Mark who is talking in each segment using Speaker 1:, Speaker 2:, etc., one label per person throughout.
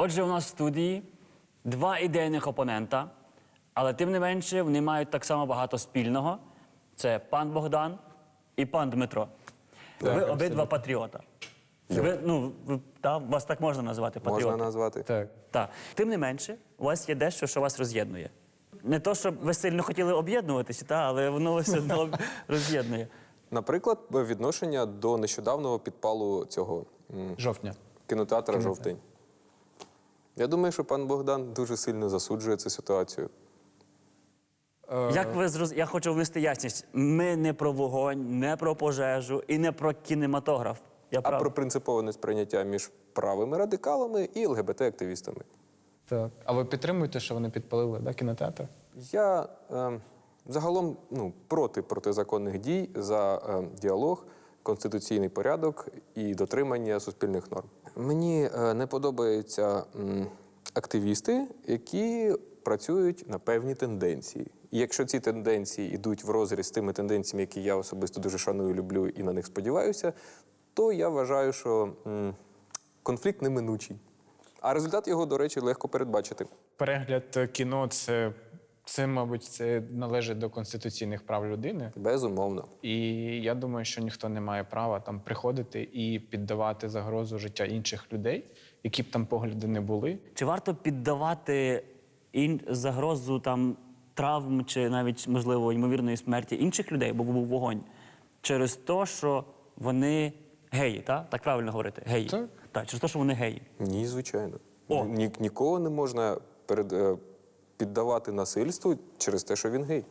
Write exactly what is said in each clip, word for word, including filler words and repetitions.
Speaker 1: Отже, у нас в студії два ідейних опонента, але тим не менше вони мають так само багато спільного. Це пан Богдан і пан Дмитро.
Speaker 2: Так,
Speaker 1: ви обидва патріота. Ви, ну, ви, та, вас так можна назвати патріоти?
Speaker 2: Можна назвати.
Speaker 3: Так.
Speaker 1: Так. Тим не менше, у вас є дещо, що вас роз'єднує. Не то, щоб ви сильно хотіли об'єднуватися, та, але воно вас все одно роз'єднує.
Speaker 2: Наприклад, відношення до нещодавнього підпалу цього м,
Speaker 3: Жовтня.
Speaker 2: кінотеатра «Жовтень». Я думаю, що пан Богдан дуже сильно засуджує цю ситуацію.
Speaker 1: Як ви зроз... Я хочу внести ясність. Ми не про вогонь, не про пожежу і не про кінематограф. Я
Speaker 2: А
Speaker 1: прав?
Speaker 2: про принципове несприйняття між правими радикалами і ЛГБТ-активістами.
Speaker 3: Так. А ви підтримуєте, що вони підпалили да, кінотеатр?
Speaker 2: Я е, загалом ну, проти протизаконних дій за е, діалог, конституційний порядок і дотримання суспільних норм. Мені е, не подобаються м, активісти, які працюють на певні тенденції. І якщо ці тенденції йдуть в розріз з тими тенденціями, які я особисто дуже шаную, люблю і на них сподіваюся, то я вважаю, що м, конфлікт неминучий. А результат його, до речі, легко передбачити.
Speaker 3: Перегляд кіно це, це, мабуть, це належить до конституційних прав людини.
Speaker 2: Безумовно.
Speaker 3: І я думаю, що ніхто не має права там приходити і піддавати загрозу життя інших людей, які б там погляди не були.
Speaker 1: Чи варто піддавати ін... загрозу там, травм чи навіть, можливо, ймовірної смерті інших людей, бо був вогонь, через те, що вони геї, так? Так правильно говорити? Геї.
Speaker 3: Так.
Speaker 1: Так, через те, що вони геї.
Speaker 2: Ні, звичайно.
Speaker 1: О.
Speaker 2: Ні, нікого не можна перед, е, піддавати насильству через те, що він гей.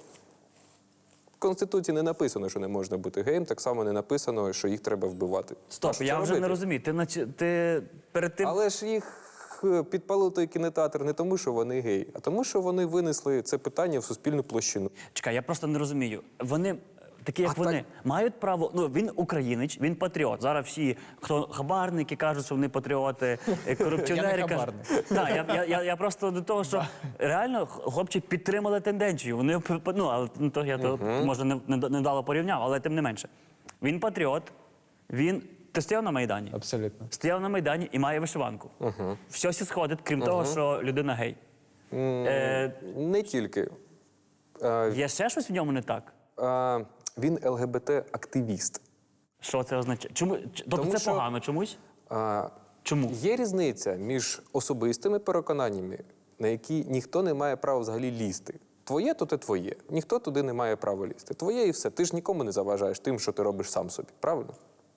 Speaker 2: В Конституції не написано, що не можна бути геєм, так само не написано, що їх треба вбивати. А
Speaker 1: Стоп,
Speaker 2: що
Speaker 1: я
Speaker 2: це
Speaker 1: вже не
Speaker 2: робити?
Speaker 1: розумію. Ти, наче, ти перед тим...
Speaker 2: Але ж їх е, підпалив той кінотеатр не тому, що вони геї, а тому, що вони винесли це питання в суспільну площину.
Speaker 1: Чекай, я просто не розумію. Вони, такі як
Speaker 2: А
Speaker 1: вони,
Speaker 2: так-
Speaker 1: мають право. Ну, він українець, він патріот. Зараз всі, хто хабарники, кажуть, що вони патріоти, е, корупціонери.
Speaker 3: Я не
Speaker 1: кажуть-
Speaker 3: хабарник.
Speaker 1: Так, я, я, я, я просто до того, що реально хлопці підтримали тенденцію. Вони, ну, але ну, то я то, може не, не, не дало порівняв, але тим не менше. Він патріот, він. Ти стояв на Майдані?
Speaker 3: Абсолютно.
Speaker 1: Стояв на Майдані і має вишиванку. Угу. Все сі сходить, крім того, що людина гей. Е,
Speaker 2: Не тільки. Е,
Speaker 1: є ще щось в ньому не так?
Speaker 2: е, він ЛГБТ-активіст.
Speaker 1: Що це означає? Чому? Ч- Тобто
Speaker 2: Тому
Speaker 1: це
Speaker 2: що-
Speaker 1: погано чомусь?
Speaker 2: Е,
Speaker 1: Чому?
Speaker 2: Є різниця між особистими переконаннями, на які ніхто не має права взагалі лізти. Твоє, то те твоє. Ніхто туди не має права лізти. Твоє і все. Ти ж нікому не заважаєш тим, що ти робиш сам собі. Правильно?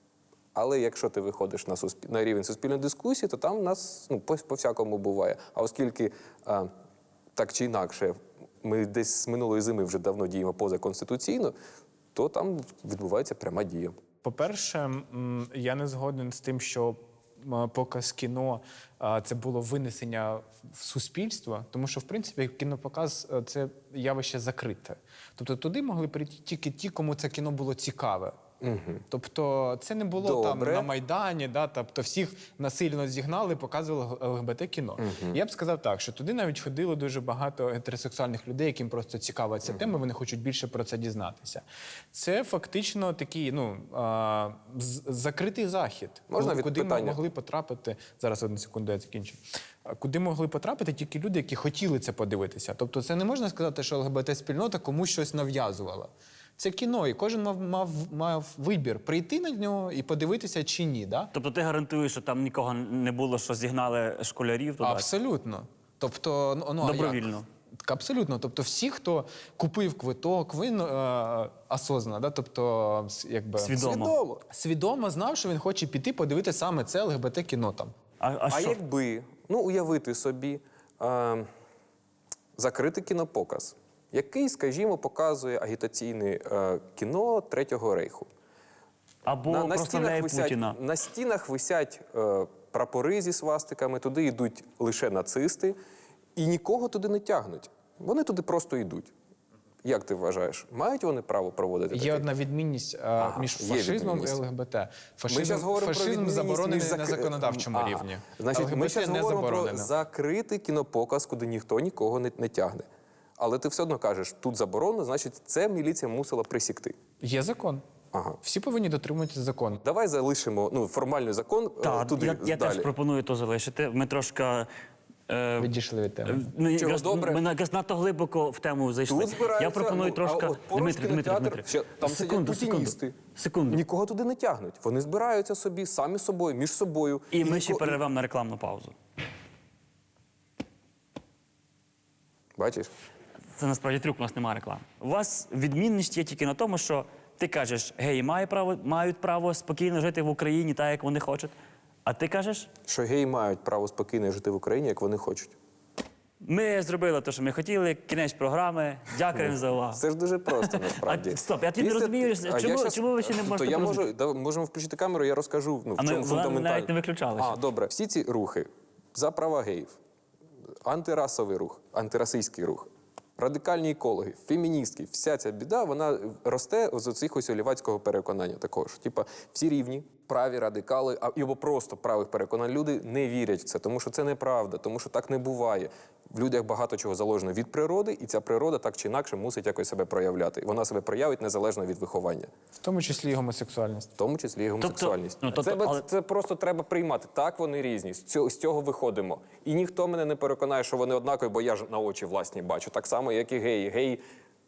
Speaker 2: Але якщо ти виходиш на, суспіль... на рівень суспільної дискусії, то там в нас ну, по- по-всякому буває. А оскільки а, так чи інакше ми десь з минулої зими вже давно діємо позаконституційно, то там відбувається пряма дія.
Speaker 3: По-перше, м, я не згоден з тим, що м, показ кіно а, це було винесення в суспільство, тому що, в принципі, кінопоказ а, це явище закрите. Тобто туди могли прийти тільки ті, кому це кіно було цікаве. Угу. Тобто це не було там
Speaker 2: Добре.
Speaker 3: на Майдані, да, тобто всіх насильно зігнали, показували ЛГБТ-кіно. Угу. Я б сказав так, що туди навіть ходило дуже багато гетеросексуальних людей, яким просто цікава ця угу. тема, вони хочуть більше про це дізнатися. Це фактично такий, ну, а, з- закритий захід,
Speaker 2: Можна від
Speaker 3: куди
Speaker 2: питання?
Speaker 3: могли потрапити, зараз одну секунду, я закінчу, А, куди могли потрапити тільки люди, які хотіли це подивитися. Тобто це не можна сказати, що ЛГБТ-спільнота комусь щось нав'язувала. Це кіно, і кожен мав, мав, мав вибір прийти на нього і подивитися чи ні. Да?
Speaker 1: Тобто ти гарантуєш, що там нікого не було, що зігнали школярів туди?
Speaker 3: Абсолютно. Тобто, ну, ну, а як?
Speaker 1: Добровільно.
Speaker 3: Так, абсолютно. Тобто всі, хто купив квиток, він е, осознано, да? тобто, с- якби,
Speaker 1: Свідомо.
Speaker 2: Свідомо.
Speaker 3: свідомо знав, що він хоче піти подивитися саме це ЛГБТ-кіно там.
Speaker 1: А, а,
Speaker 2: А
Speaker 1: що?
Speaker 2: якби, ну уявити собі, е, закритий кінопоказ, який, скажімо, показує агітаційне е, кіно Третього рейху.
Speaker 1: Або
Speaker 2: на, на,
Speaker 1: просто
Speaker 2: стінах
Speaker 1: не
Speaker 2: висять,
Speaker 1: Путіна.
Speaker 2: на стінах висять е, прапори зі свастиками, туди йдуть лише нацисти, і нікого туди не тягнуть. Вони туди просто йдуть. Як ти вважаєш, мають вони право проводити
Speaker 3: Є
Speaker 2: таке?
Speaker 3: одна відмінність е,
Speaker 2: Ага,
Speaker 3: між
Speaker 2: є
Speaker 3: фашизмом і
Speaker 2: відмінність.
Speaker 3: ЛГБТ.
Speaker 2: Ми
Speaker 3: Фашизм,
Speaker 2: зараз говоримо про
Speaker 3: фашизм
Speaker 2: відмінність
Speaker 3: заборонений
Speaker 2: між
Speaker 3: на
Speaker 2: зак-
Speaker 3: законодавчому
Speaker 2: Ага.
Speaker 3: рівні.
Speaker 2: Значить, ми
Speaker 3: ЛГБТ
Speaker 2: зараз
Speaker 3: не
Speaker 2: говоримо про
Speaker 3: заборонено.
Speaker 2: закритий кінопоказ, куди ніхто нікого не, не тягне. Але ти все одно кажеш, тут заборонено, значить, це міліція мусила присікти.
Speaker 3: Є закон.
Speaker 2: Ага.
Speaker 3: Всі повинні дотримуватися закону.
Speaker 2: Давай залишимо ну, формальний закон е,
Speaker 1: Так,
Speaker 2: туди
Speaker 1: я, я
Speaker 2: далі.
Speaker 1: теж пропоную то залишити. Ми трошки. Е,
Speaker 3: Відійшли від теми.
Speaker 1: Ну,
Speaker 2: Чого
Speaker 1: якраз,
Speaker 2: добре?
Speaker 1: Ми якраз надто глибоко в тему зайшли.
Speaker 2: Тут збираються,
Speaker 1: Я пропоную
Speaker 2: ну,
Speaker 1: трошки.
Speaker 2: а от поруч
Speaker 1: Дмитрий, Дмитрий,
Speaker 2: кінотеатр,
Speaker 1: Дмитрий.
Speaker 2: ще там
Speaker 1: секунду,
Speaker 2: сидять
Speaker 1: секунду.
Speaker 2: путіністи.
Speaker 1: Секунду.
Speaker 2: Нікого туди не тягнуть. Вони збираються собі самі собою, між собою.
Speaker 1: І ми
Speaker 2: ніко-
Speaker 1: ще перервемо на рекламну паузу.
Speaker 2: Бачиш?
Speaker 1: Це насправді трюк, у нас немає реклами. У вас відмінність є тільки на тому, що ти кажеш, геї мають право, мають право спокійно жити в Україні так, як вони хочуть. А ти кажеш,
Speaker 2: Що геї мають право спокійно жити в Україні, як вони хочуть.
Speaker 1: ми зробили те, що ми хотіли, кінець програми, дякуємо за увагу.
Speaker 2: Це ж дуже просто, насправді.
Speaker 1: А, стоп, я тоді не розумію,
Speaker 2: А
Speaker 1: чому-
Speaker 2: я щас-
Speaker 1: чому ви ще не
Speaker 2: То
Speaker 1: можете
Speaker 2: я
Speaker 1: порозуміти?
Speaker 2: можу, да, можемо включити камеру, я розкажу, ну, в
Speaker 1: А ми-
Speaker 2: чому
Speaker 1: вона
Speaker 2: фундаментально.
Speaker 1: навіть не виключалася.
Speaker 2: А, добре. Всі ці рухи за права геїв, антирасовий рух, антирасистський рух, радикальні екологи, феміністки, вся ця біда, вона росте з оцих ось олівацького переконання такого, що типа всі рівні, праві радикали, а- або просто правих переконань люди не вірять в це, тому що це неправда, тому що так не буває. В людях багато чого заложено від природи, і ця природа так чи інакше мусить якось себе проявляти. І вона себе проявить незалежно від виховання.
Speaker 3: В тому числі і гомосексуальність.
Speaker 2: В тому числі і гомосексуальність.
Speaker 1: ну, тобто,
Speaker 2: це, бе-
Speaker 1: але-
Speaker 2: це просто треба приймати. Так, вони різні. З цього, з цього виходимо. І ніхто мене не переконає, що вони однакові, бо я ж на очі власні бачу. Так само, як і геї. Геї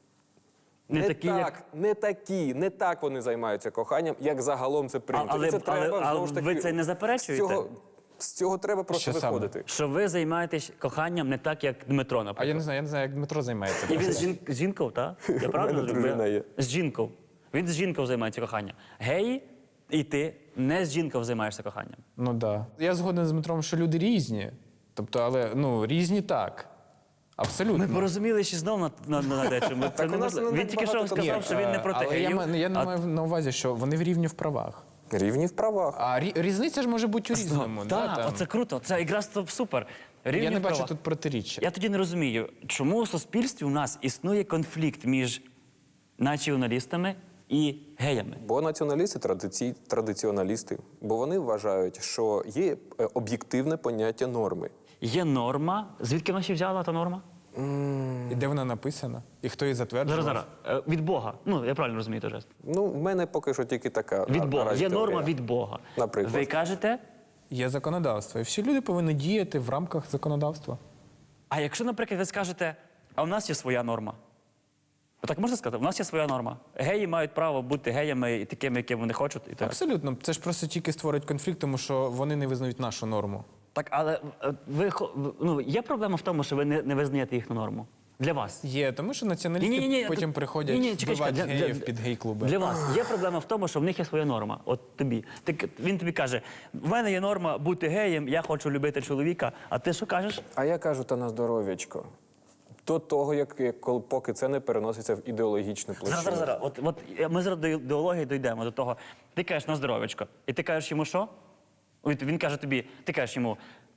Speaker 1: Не
Speaker 2: не
Speaker 1: такі,
Speaker 2: так,
Speaker 1: як-
Speaker 2: не такі, не так вони займаються коханням, як загалом це прийнято.
Speaker 1: А- але-
Speaker 2: І це
Speaker 1: але-
Speaker 2: треба,
Speaker 1: а
Speaker 2: знову ж таки,
Speaker 1: ви це не заперечуєте?
Speaker 2: З цього, з цього треба просто
Speaker 3: Що саме?
Speaker 2: виходити.
Speaker 1: Що ви займаєтесь коханням не так, як Дмитро,
Speaker 3: А
Speaker 1: наприклад.
Speaker 3: я не знаю, я не знаю, як Дмитро займається.
Speaker 1: І він з, жін... з жінкою, так? Я правильно
Speaker 2: мене
Speaker 1: зробив?
Speaker 2: дружина є.
Speaker 1: З жінкою. Він з жінкою займається коханням. Геї і ти не з жінкою займаєшся коханням.
Speaker 3: Ну так. Да. Я згоден з Дмитром, що люди різні. Тобто, але ну, різні так. Абсолютно.
Speaker 1: Ми порозуміли ще знов на, на, на дечому. Це
Speaker 2: Так у нас
Speaker 1: неможливо.
Speaker 2: не
Speaker 1: Він тільки що
Speaker 2: багато
Speaker 1: сказав,
Speaker 2: контактів.
Speaker 1: що він не проти
Speaker 3: Але я,
Speaker 1: геїв.
Speaker 3: ма- я не
Speaker 1: а
Speaker 3: маю на увазі, що вони в рівні в правах.
Speaker 2: Рівні в правах.
Speaker 3: А рі- різниця ж може бути у різному. да,
Speaker 1: Так,
Speaker 3: там.
Speaker 1: оце круто. Це якраз то супер. Рівні
Speaker 3: Я не бачу
Speaker 1: права.
Speaker 3: тут протиріччя.
Speaker 1: Я тоді не розумію, чому в суспільстві у нас існує конфлікт між націоналістами і геями.
Speaker 2: Бо націоналісти традиці... традиціоналісти, бо вони вважають, що є е, об'єктивне поняття норми.
Speaker 1: Є норма. Звідки вона ще взяла та норма?
Speaker 3: І де вона написана? І хто її затверджував?
Speaker 1: Зараз, зараз. Е, Від Бога. Ну, я правильно розумію теж.
Speaker 2: Ну, в мене поки що тільки така.
Speaker 1: Від
Speaker 2: на-
Speaker 1: Бога.
Speaker 2: наразі
Speaker 1: Є
Speaker 2: теорія.
Speaker 1: норма від Бога.
Speaker 2: Наприклад.
Speaker 1: Ви кажете,
Speaker 3: Є законодавство. І всі люди повинні діяти в рамках законодавства.
Speaker 1: а якщо, наприклад, ви скажете, а у нас є своя норма. Так можна сказати? У нас є своя норма. Геї мають право бути геями і такими, якими вони хочуть. І так.
Speaker 3: Абсолютно. Це ж просто тільки створить конфлікт, тому що вони не визнають нашу норму.
Speaker 1: Так, але е, ви хо- в- ну, є проблема в тому, що ви не, не визнаєте їхню норму. Для вас.
Speaker 3: Є, тому що націоналісти
Speaker 1: Ні-ні-ні,
Speaker 3: потім
Speaker 1: тут-
Speaker 3: приходять
Speaker 1: ні-ні, чекай,
Speaker 3: вбивати
Speaker 1: чекай, для-
Speaker 3: геїв
Speaker 1: для-
Speaker 3: під гей-клуби.
Speaker 1: Для вас є проблема в тому, що в них є своя норма. От тобі. Ти, к- він тобі каже: в мене є норма бути геєм, я хочу любити чоловіка. А ти що кажеш?
Speaker 2: А я кажу, та на здоров'ячко. До того, як, як коли- поки це не переноситься в ідеологічну площину.
Speaker 1: Зараз, зараз, зараз. От, от е, ми зараз до ідеології дійдемо до того. Ти кажеш на здоров'ячко. І ти кажеш йому що? Ой, Він каже тобі, ти кажеш йому.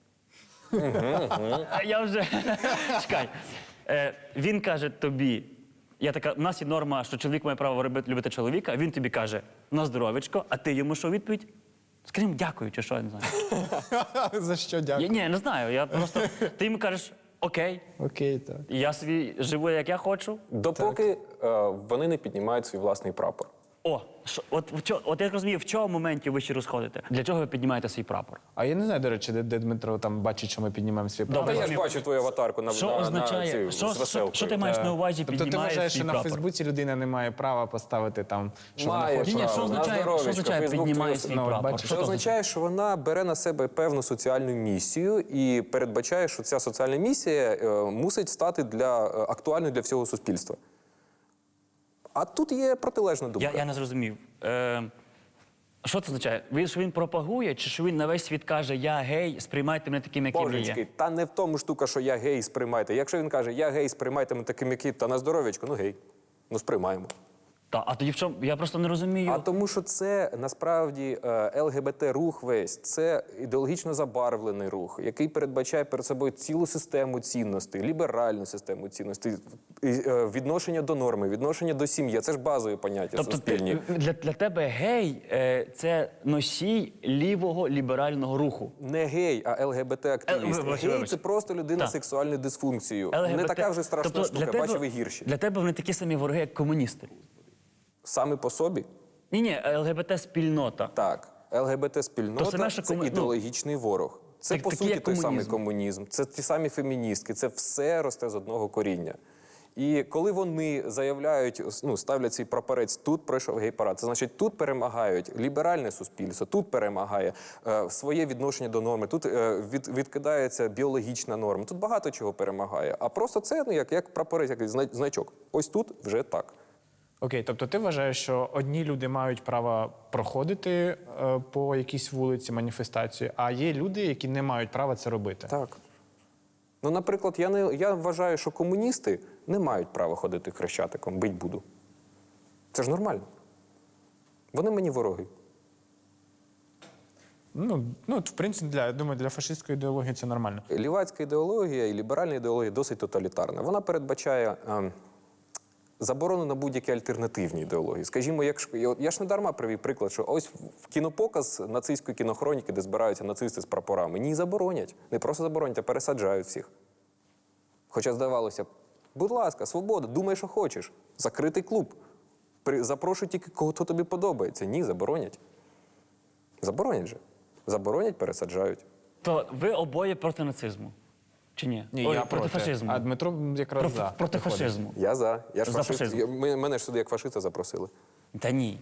Speaker 1: А Я вже. Чекай. Е, Він каже тобі. Я така, у нас є норма, що чоловік має право робити- любити чоловіка, а він тобі каже на здоров'ячко, а ти йому що у відповідь? Скажімо, дякую, чи що, я не знаю.
Speaker 3: За що
Speaker 1: Я,
Speaker 3: дякую?
Speaker 1: ні, не знаю. Я просто. Ти йому кажеш, окей,
Speaker 3: Окей, так.
Speaker 1: я собі живу, як я хочу.
Speaker 2: Допоки е, вони не піднімають свій власний прапор.
Speaker 1: О, що, от, в чо- от я розумію, в чому моменті ви ще розходите? Для чого ви піднімаєте свій прапор?
Speaker 3: А я не знаю, до речі, де, де Дмитро там бачить, що ми піднімаємо свій прапор.
Speaker 1: Добре.
Speaker 2: Та я ж
Speaker 1: розумію.
Speaker 2: бачу твою аватарку на,
Speaker 1: Що
Speaker 2: на,
Speaker 1: означає,
Speaker 2: на цю,
Speaker 1: що,
Speaker 2: з
Speaker 1: що,
Speaker 2: веселкою.
Speaker 1: що ти маєш на увазі,
Speaker 3: Тобто ти
Speaker 1: піднімаєш
Speaker 3: вважаєш,
Speaker 1: свій
Speaker 3: що на
Speaker 1: прапор?
Speaker 3: Фейсбуці людина не має права поставити там, що
Speaker 2: Має
Speaker 3: вона хоче.
Speaker 1: Ні, ні, що
Speaker 2: право, на
Speaker 1: означає, що
Speaker 2: здоров'ячко,
Speaker 1: означає
Speaker 2: Фейсбук
Speaker 1: піднімає
Speaker 2: твій-
Speaker 1: свій
Speaker 3: Ну, от
Speaker 1: прапор?
Speaker 3: бачиш.
Speaker 2: Це
Speaker 1: Що
Speaker 2: означає, що вона бере на себе певну соціальну місію і передбачає, що ця соціальна місія е, мусить стати для, е, актуальною для всього суспільства. А тут є протилежна думка.
Speaker 1: Я, я не зрозумів. Е, що це означає? Він, що він пропагує, чи що він на весь світ каже, я гей, сприймайте мене таким, яким я
Speaker 2: Божечки,
Speaker 1: є?
Speaker 2: та не в тому штука, що я гей, сприймайте. Якщо він каже, я гей, сприймайте мене таким, як є, та на здоров'ячко, ну гей, ну сприймаємо.
Speaker 1: Та, а тоді в чому? Я просто не розумію.
Speaker 2: А тому, що це насправді е, ЛГБТ-рух весь, це ідеологічно забарвлений рух, який передбачає перед собою цілу систему цінностей, ліберальну систему цінностей, і, е, відношення до норми, відношення до сім'ї. Це ж базові поняття
Speaker 1: Тобто
Speaker 2: суспільні.
Speaker 1: ти, для, для тебе гей е, це носій лівого ліберального руху.
Speaker 2: Не гей, а ЛГБТ-активіст.
Speaker 1: Е, вибач,
Speaker 2: Гей
Speaker 1: вибач.
Speaker 2: це просто людина
Speaker 1: Так.
Speaker 2: з сексуальною дисфункцією. Не
Speaker 1: ЛГБТ.
Speaker 2: така вже страшна
Speaker 1: Тобто
Speaker 2: штука,
Speaker 1: для тебе,
Speaker 2: бачив і гірші.
Speaker 1: Для тебе вони такі самі вороги, як комуністи.
Speaker 2: Саме по собі
Speaker 1: Ні, ні, ЛГБТ-спільнота.
Speaker 2: Так, ЛГБТ-спільнота
Speaker 1: То саме, що
Speaker 2: це
Speaker 1: кому- ну,
Speaker 2: ідеологічний ворог. Це,
Speaker 1: так-
Speaker 2: по
Speaker 1: такий,
Speaker 2: суті,
Speaker 1: як
Speaker 2: той самий
Speaker 1: комунізм.
Speaker 2: комунізм, це ті самі феміністки, це все росте з одного коріння. І коли вони заявляють, ну, ставлять свій прапорець, тут пройшов гей-парад, це значить, тут перемагають ліберальне суспільство, тут перемагає е, своє відношення до норми, тут е, від, відкидається біологічна норма, тут багато чого перемагає. А просто це ну, як, як прапорець, як зна- значок. Ось тут вже так.
Speaker 3: Окей, тобто ти вважаєш, що одні люди мають право проходити е, по якійсь вулиці маніфестацію, а є люди, які не мають права це робити.
Speaker 2: Так. Ну, наприклад, я, не, я вважаю, що комуністи не мають права ходити хрещатиком, бить буду. Це ж нормально. Вони мені вороги.
Speaker 3: Ну, ну от, в принципі, для, я думаю, для фашистської ідеології це нормально.
Speaker 2: Лівацька ідеологія і ліберальна ідеологія досить тоталітарна. Вона передбачає е, заборону на будь-які альтернативні ідеології. Скажімо, якщо я, я ж не дарма привів приклад, що ось в кінопоказ нацистської кінохроніки, де збираються нацисти з прапорами, ні, заборонять. Не просто заборонять, а пересаджають всіх. Хоча здавалося б, будь ласка, свобода, думай, що хочеш. Закритий клуб. При, запрошуй тільки кого хто тобі подобається. Ні, заборонять. Заборонять же. Заборонять, пересаджають.
Speaker 1: То ви обоє проти нацизму? Чи ні?
Speaker 3: Ні,
Speaker 1: Ой,
Speaker 3: я
Speaker 1: проти фашизму.
Speaker 3: А Дмитро якраз
Speaker 1: Про-
Speaker 3: за.
Speaker 1: проти
Speaker 3: виходить.
Speaker 1: фашизму.
Speaker 2: Я за. Я ж
Speaker 1: За
Speaker 2: фашист.
Speaker 1: фашизм.
Speaker 2: Я, ми- мене ж сюди як фашиста запросили.
Speaker 1: Та ні.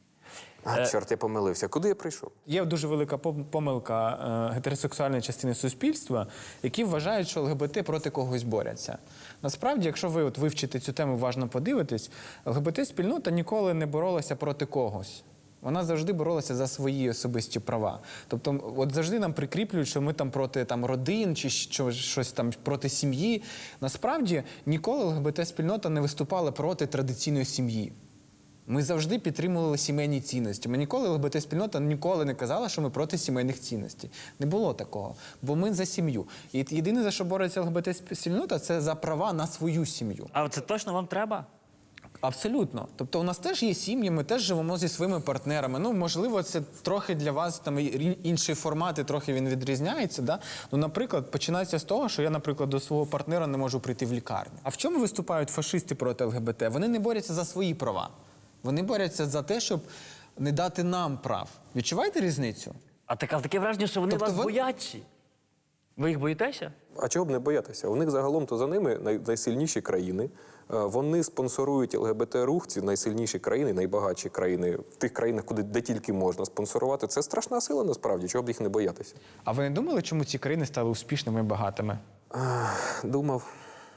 Speaker 2: А, чорт, я помилився. Куди я прийшов?
Speaker 3: Є дуже велика пом- помилка е, гетеросексуальної частини суспільства, які вважають, що ЛГБТ проти когось борються. Насправді, якщо ви от вивчите цю тему, уважно подивитесь, ЛГБТ-спільнота ніколи не боролася проти когось. Вона завжди боролася за свої особисті права. Тобто, от завжди нам прикріплюють, що ми там проти там, родин чи що, щось там проти сім'ї. Насправді, ніколи ЛГБТ-спільнота не виступала проти традиційної сім'ї. Ми завжди підтримували сімейні цінності. Ми ніколи, ЛГБТ-спільнота ніколи не казала, що ми проти сімейних цінностей. Не було такого. Бо ми за сім'ю. І єдине, за що бореться ЛГБТ-спільнота, це за права на свою сім'ю.
Speaker 1: А це точно вам треба?
Speaker 3: Абсолютно. Тобто у нас теж є сім'ї, ми теж живемо зі своїми партнерами. Ну, можливо, це трохи для вас там і- інший формат, і трохи він відрізняється. Да? Ну, наприклад, починається з того, що я, наприклад, до свого партнера не можу прийти в лікарню. А в чому виступають фашисти проти ЛГБТ? Вони не борються за свої права. Вони борються за те, щоб не дати нам прав. Відчуваєте різницю?
Speaker 1: А так, але таке враження, що вони
Speaker 3: Тобто
Speaker 1: вас
Speaker 3: ви-
Speaker 1: бояться. Ви їх боїтеся?
Speaker 2: А чого б не боятися? У них загалом то за ними най- найсильніші країни. Е, Вони спонсорують ЛГБТ-рух, ці найсильніші країни, найбагатші країни, в тих країнах, куди де тільки можна спонсорувати. Це страшна сила насправді, чого б їх не боятися.
Speaker 3: А ви не думали, чому ці країни стали успішними і багатими?
Speaker 2: Думав,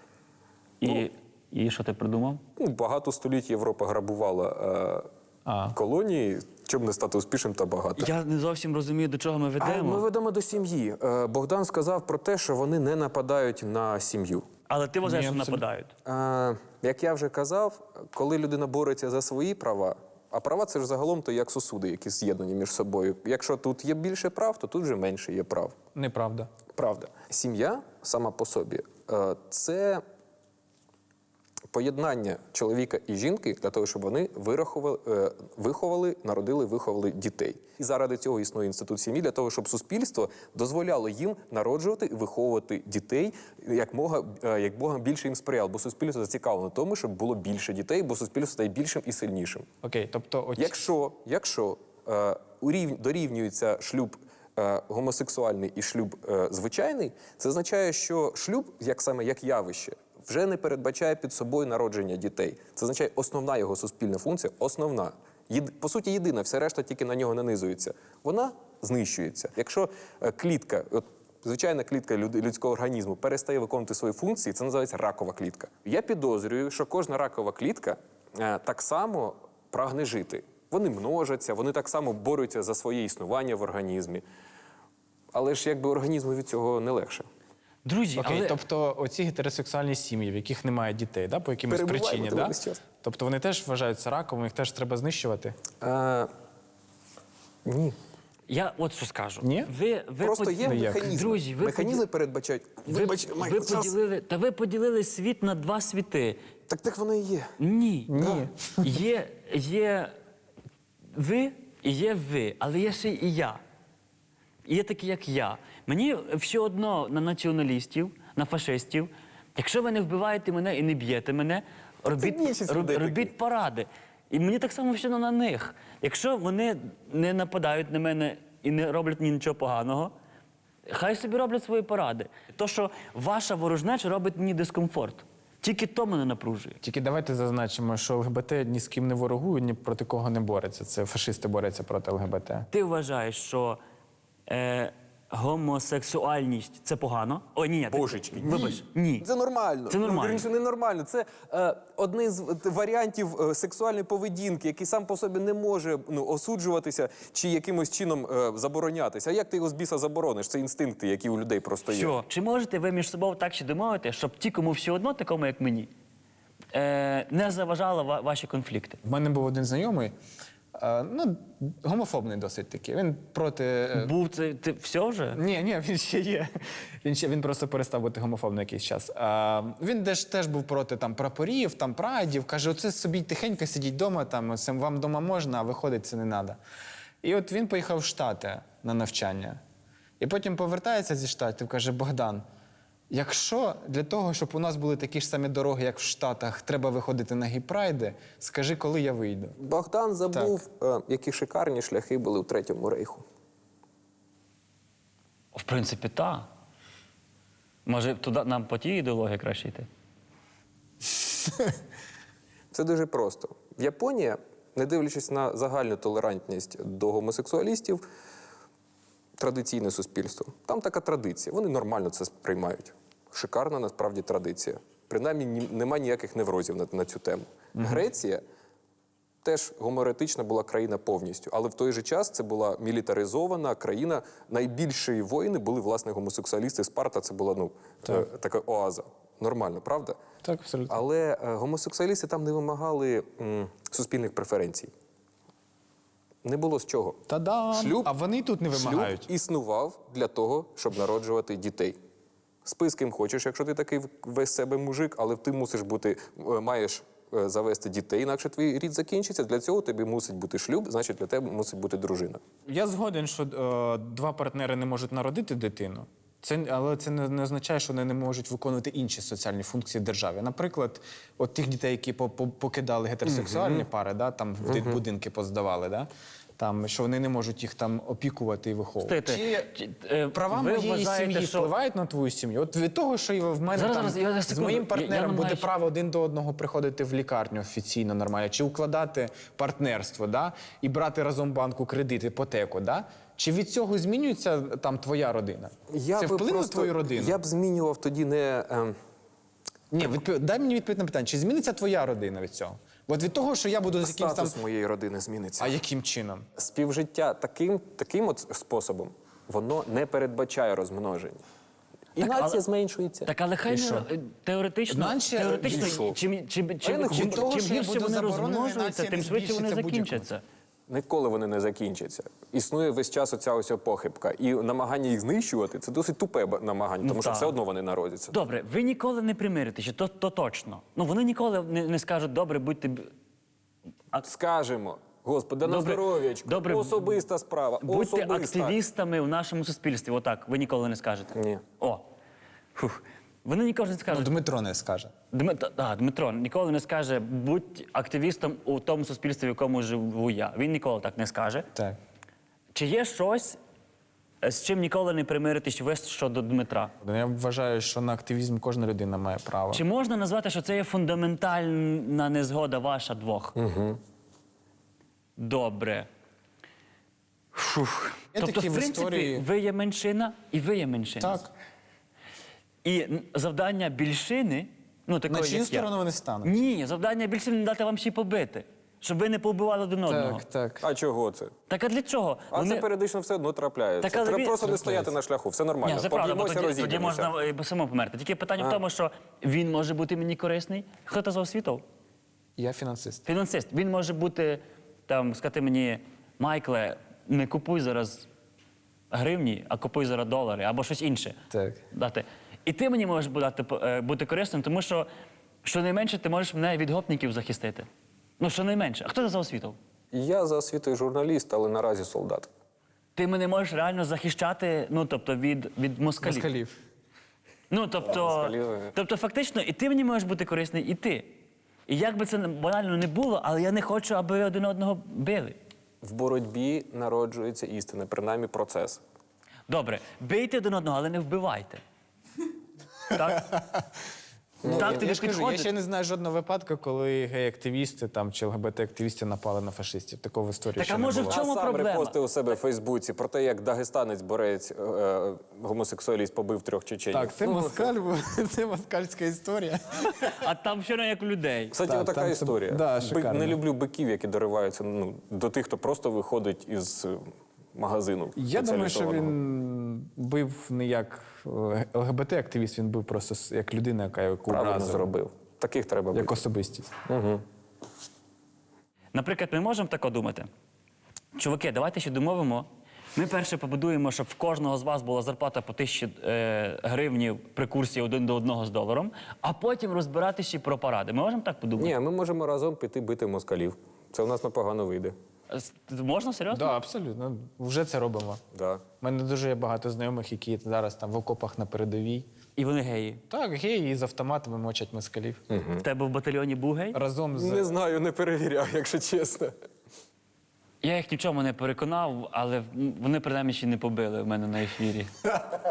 Speaker 1: І, і що ти придумав?
Speaker 2: ну, багато століть Європа грабувала е,
Speaker 3: А.
Speaker 2: колонії, щоб не стати успішним та багатим.
Speaker 1: Я не зовсім розумію, до чого ми
Speaker 2: А
Speaker 1: ведемо.
Speaker 2: ми ведемо до сім'ї. Е, Богдан сказав про те, що вони не нападають на сім'ю.
Speaker 1: Але ти вважаєш,
Speaker 3: Ні,
Speaker 1: що
Speaker 3: абсолютно.
Speaker 1: нападають.
Speaker 2: Е, Як я вже казав, коли людина бореться за свої права, а права це ж загалом то як сосуди, які з'єднані між собою. Якщо тут є більше прав, то тут вже менше є прав.
Speaker 3: Неправда.
Speaker 2: Правда. Сім'я сама по собі е, це поєднання чоловіка і жінки для того, щоб вони вирахували, е, виховали, народили, виховали дітей. І заради цього існує інститут сім'ї, для того, щоб суспільство дозволяло їм народжувати і виховувати дітей, як мога, е, як Бога більше їм сприяло. Бо суспільство зацікавлено в тому, щоб було більше дітей, бо суспільство стає більшим і сильнішим.
Speaker 3: Окей, тобто оці...
Speaker 2: Якщо, якщо е, урів- дорівнюється шлюб е, гомосексуальний і шлюб е, звичайний, це означає, що шлюб, як саме як явище, вже не передбачає під собою народження дітей. Це означає основна його суспільна функція, основна. Єд- по суті, єдина, все решта тільки на нього нанизується. Вона знищується. Якщо е, клітка, от, звичайна клітка люд- людського організму перестає виконувати свої функції, це називається ракова клітка. Я підозрюю, що кожна ракова клітка е, так само прагне жити. Вони множаться, вони так само борються за своє існування в організмі. Але ж якби організму від цього не легше.
Speaker 1: Друзі,
Speaker 3: Окей,
Speaker 1: але
Speaker 3: тобто оці гетеросексуальні сім'ї, в яких немає дітей, да, по якимось
Speaker 2: Перебуваємо
Speaker 3: причині,
Speaker 2: тут
Speaker 3: да?
Speaker 2: весь час.
Speaker 3: Тобто вони теж вважаються раком, їх теж треба знищувати?
Speaker 2: Е, ні.
Speaker 1: я от що скажу.
Speaker 3: Ні?
Speaker 1: Ви, ви
Speaker 2: Просто
Speaker 1: под-
Speaker 2: є
Speaker 3: Ну, як?
Speaker 2: механізми.
Speaker 1: Друзі, ви
Speaker 2: механізми
Speaker 1: поді-
Speaker 2: передбачають.
Speaker 1: Ви,
Speaker 2: Вибач,
Speaker 1: ви
Speaker 2: Майкл, час.
Speaker 1: поділили, та ви поділили світ на два світи.
Speaker 2: Так так воно і є.
Speaker 1: Ні.
Speaker 3: Ні.
Speaker 1: Є, є ви і є ви, але є ще і я. І є такі, як я. Мені все одно на націоналістів, на фашистів. Якщо ви не вбиваєте мене і не б'єте мене, робіть,
Speaker 2: більшість
Speaker 1: роб-
Speaker 2: людей
Speaker 1: робіть
Speaker 2: таких.
Speaker 1: паради. І мені так само все на них. Якщо вони не нападають на мене і не роблять мені нічого поганого, хай собі роблять свої поради. То, що ваша ворожнеча робить мені дискомфорт. Тільки то мене напружує.
Speaker 3: Тільки давайте зазначимо, що ЛГБТ ні з ким не ворогують, ні проти кого не бореться. Це фашисти борються проти ЛГБТ.
Speaker 1: Ти вважаєш, що е, гомосексуальність це погано? О, ні, ні. ти-
Speaker 2: Божечки,
Speaker 1: Вибач, ні.
Speaker 2: Це нормально.
Speaker 1: Це нормально.
Speaker 2: Ну, вірніше, не нормально. Це е, один з в- варіантів е, сексуальної поведінки, який сам по собі не може ну, осуджуватися чи якимось чином е, заборонятися. А як ти його з біса заборониш? Це інстинкти, які у людей просто є.
Speaker 1: Що? Чи можете ви між собою так ще домовити, щоб ті, кому все одно, такому як мені, е, не заважали ва- ваші конфлікти?
Speaker 3: В мене був один знайомий, е, ну, гомофобний досить такий. Він проти. е,
Speaker 1: Був це ти все вже?
Speaker 3: Ні, ні, він ще є. Він ще він просто перестав бути гомофобним якийсь час. А, він теж, теж був проти там прапорів, там прайдів. Каже, оце собі тихенько сидіть вдома, там це вам вдома можна, а виходить це не треба. І от він поїхав в Штати на навчання. І потім повертається зі Штатів, каже: Богдан, якщо для того, щоб у нас були такі ж самі дороги, як в Штатах, треба виходити на гей-прайди, скажи, коли я вийду.
Speaker 2: Богдан забув, е, які шикарні шляхи були у Третьому рейху.
Speaker 1: В принципі, так. Може, туди нам по тій ідеології краще йти?
Speaker 2: Це дуже просто. Японія, не дивлячись на загальну толерантність до гомосексуалістів, традиційне суспільство. Там така традиція. Вони нормально це сприймають. Шикарна насправді традиція. Принаймні ні- нема ніяких неврозів на, на цю тему. Греція теж гомоеретична була країна повністю, але в той же час це була мілітаризована країна. Найбільші воїни були, власне, гомосексуалісти. Спарта це була ну, е, така оаза. Нормально, правда?
Speaker 3: Так, абсолютно.
Speaker 2: Але е, гомосексуалісти там не вимагали м, суспільних преференцій. Не було з чого.
Speaker 3: Та-дам!
Speaker 2: Шлюб,
Speaker 3: А вони тут не вимагають.
Speaker 2: Шлюб існував для того, щоб народжувати дітей. Спи з ким хочеш, якщо ти такий весь себе мужик, але ти мусиш бути, е, маєш е, завести дітей, інакше твій рід закінчиться. Для цього тобі мусить бути шлюб, значить для тебе мусить бути дружина.
Speaker 3: Я згоден, що е, два партнери не можуть народити дитину. Це, але це не, не означає, що вони не можуть виконувати інші соціальні функції в державі. Наприклад, от тих дітей, які по- по- покидали гетеросексуальні пари, да, там в ди- будинки поздавали, да, там, що вони не можуть їх там опікувати і виховувати.
Speaker 1: Стойте,
Speaker 3: Чи
Speaker 1: чи, е,
Speaker 3: права
Speaker 1: ви
Speaker 3: моєї
Speaker 1: вважаєте,
Speaker 3: сім'ї
Speaker 1: що-
Speaker 3: впливають на твою сім'ю? От від того, що і в мене
Speaker 1: Зараз,
Speaker 3: там,
Speaker 1: зараз, я- я
Speaker 3: з
Speaker 1: секунду.
Speaker 3: моїм
Speaker 1: Я- я
Speaker 3: партнером буде
Speaker 1: намагаюсь-
Speaker 3: право один до одного приходити в лікарню офіційно, нормально, чи укладати партнерство, да, і брати разом банку кредит, іпотеку, да? Чи від цього змінюється там твоя родина?
Speaker 2: Я
Speaker 3: Це
Speaker 2: би
Speaker 3: вплине на
Speaker 2: просто-
Speaker 3: твою родину?
Speaker 2: Я б змінював тоді не... ем,
Speaker 3: Ні, відпов... дай мені відповідь на питання, чи зміниться твоя родина від цього? От від того, що я буду з якимсь там...
Speaker 2: статус моєї родини зміниться.
Speaker 3: А яким чином?
Speaker 2: Співжиття таким, таким от способом, воно не передбачає розмноження. І
Speaker 1: Так,
Speaker 2: нація
Speaker 1: але-
Speaker 2: зменшується.
Speaker 1: Так, але хай
Speaker 3: І
Speaker 1: не
Speaker 3: що?
Speaker 1: е, теоретично,
Speaker 3: Наче-
Speaker 1: теоретично
Speaker 2: І що?
Speaker 1: чим, чим,
Speaker 2: А я
Speaker 1: чим,
Speaker 2: не
Speaker 1: чим,
Speaker 2: хочу.
Speaker 1: чим,
Speaker 3: Того, що я
Speaker 1: більше
Speaker 3: буду
Speaker 1: вони
Speaker 3: заборонений,
Speaker 1: розмножуються,
Speaker 3: нація
Speaker 1: тим
Speaker 3: не
Speaker 1: швидше вони
Speaker 3: збільшиться будь-якому.
Speaker 1: закінчаться.
Speaker 2: Ніколи вони не закінчаться. Існує весь час оця ось похибка. І намагання їх знищувати це досить тупе б- намагання, тому що
Speaker 1: так.
Speaker 2: все одно вони народяться.
Speaker 1: Добре, ви ніколи не примиритеся, то, то точно. Ну вони ніколи не, не скажуть, добре, будьте. б-
Speaker 2: Скажемо, Господи, на
Speaker 1: Добре,
Speaker 2: здоров'ячко,
Speaker 1: добре,
Speaker 2: особиста справа,
Speaker 1: Будьте
Speaker 2: особиста.
Speaker 1: активістами в нашому суспільстві. Отак, ви ніколи не скажете.
Speaker 2: Ні.
Speaker 1: О. Фух. Вони ніколи не
Speaker 3: Ну,
Speaker 1: скажуть.
Speaker 3: Дмитро не скаже.
Speaker 1: Дмитро, да, Дмитро ніколи не скаже, будь активістом у тому суспільстві, в якому живу я. Він ніколи так не скаже.
Speaker 3: Так.
Speaker 1: Чи є щось, е, з чим ніколи не примиритись ви щодо Дмитра?
Speaker 3: Я вважаю, що на активізм кожна людина має право.
Speaker 1: Чи можна назвати, що це є фундаментальна незгода ваша двох? Угу. Добре. Фух.
Speaker 3: Є
Speaker 1: Тобто,
Speaker 3: такі
Speaker 1: в
Speaker 3: в
Speaker 1: принципі,
Speaker 3: історії-
Speaker 1: ви є меншина і ви є меншина.
Speaker 3: Так.
Speaker 1: І н- завдання більшини, ну такої,
Speaker 3: На чию
Speaker 1: як я-
Speaker 3: сторону вони стануть?
Speaker 1: Ні, завдання більшини не дати вам ще й побити, щоб ви не повбивали один одного.
Speaker 3: Так, так.
Speaker 2: А чого це?
Speaker 1: Так а для чого?
Speaker 2: А це періодично все одно трапляється.
Speaker 1: Так, але
Speaker 2: Треба
Speaker 1: він-
Speaker 2: просто не стояти на шляху, все нормально.
Speaker 1: Ні, це правда, бо
Speaker 2: Поб'ємося,
Speaker 1: тоді, тоді
Speaker 2: розійдемося.
Speaker 1: можна е, само померти. Тільки питання в тому, що він може бути мені корисний. Хто це за освіту?
Speaker 3: Я фінансист.
Speaker 1: Фінансист. Він може бути, там, сказати мені, Майкле, не купуй зараз гривні, а купуй зараз долари або щось інше.
Speaker 3: Так.
Speaker 1: Дати. І ти мені можеш бути, е, бути корисним, тому що щонайменше ти можеш мене від гопників захистити. Ну, щонайменше. А хто це за освіту?
Speaker 2: Я за освітою журналіст, але наразі солдат.
Speaker 1: Ти мене можеш реально захищати, ну, тобто, від, від москалів.
Speaker 3: Москалів.
Speaker 1: Ну, тобто,
Speaker 2: Москалів, е.
Speaker 1: тобто, фактично, і ти мені можеш бути корисний, і ти. І як би це банально не було, але я не хочу, аби ви один одного били.
Speaker 2: В боротьбі народжується істина, принаймні процес.
Speaker 1: Добре, бийте один одного, але не вбивайте. Так? Так тобі
Speaker 3: Я ж кажу, я
Speaker 1: підходить?
Speaker 3: ще не знаю жодного випадку, коли гей-активісти там, чи ЛГБТ-активісти напали на фашистів. Такого в історії
Speaker 1: Так,
Speaker 3: ще
Speaker 1: а
Speaker 3: не
Speaker 1: може,
Speaker 3: було.
Speaker 1: в чому
Speaker 2: а сам
Speaker 1: проблема?
Speaker 2: репостив у себе в Фейсбуці про те, як дагестанець борець е, е, гомосексуаліст побив трьох чеченів.
Speaker 3: Так, це москаль, був, це москальська історія.
Speaker 1: А там ще не як у людей.
Speaker 2: Кстати,
Speaker 3: Так,
Speaker 2: отака
Speaker 3: там це-
Speaker 2: історія.
Speaker 3: да,
Speaker 2: Би-
Speaker 3: шикарно.
Speaker 2: не люблю биків, які дориваються ну, до тих, хто просто виходить із е, магазину.
Speaker 3: Я думаю, що
Speaker 2: спеціалізованого.
Speaker 3: він бив не як е, ЛГБТ-активіст, він бив просто с- як людина, яка яку
Speaker 2: Правильно
Speaker 3: образила,
Speaker 2: зробив. Таких треба бити.
Speaker 3: як особистість.
Speaker 1: Наприклад, ми можемо тако думати. Чуваки, давайте ще домовимо. Ми перше побудуємо, щоб в кожного з вас була зарплата по тисячі е, гривнів при курсі один до одного з доларом, а потім розбирати ще про паради. Ми можемо так подумати?
Speaker 2: Ні, ми можемо разом піти бити москалів. Це у нас непогано вийде.
Speaker 1: С- Можна серйозно?
Speaker 3: Так, да, абсолютно. Вже це робимо.
Speaker 2: Да.
Speaker 3: У мене дуже є багато знайомих, які зараз там в окопах на передовій.
Speaker 1: І вони геї.
Speaker 3: Так, геї з автоматами мочать москалів.
Speaker 1: В тебе в батальйоні був гей?
Speaker 3: Разом з
Speaker 2: Не знаю, не перевіряв, якщо чесно.
Speaker 1: Я їх ні в чому не переконав, але м, вони принаймні ще не побили в мене на ефірі.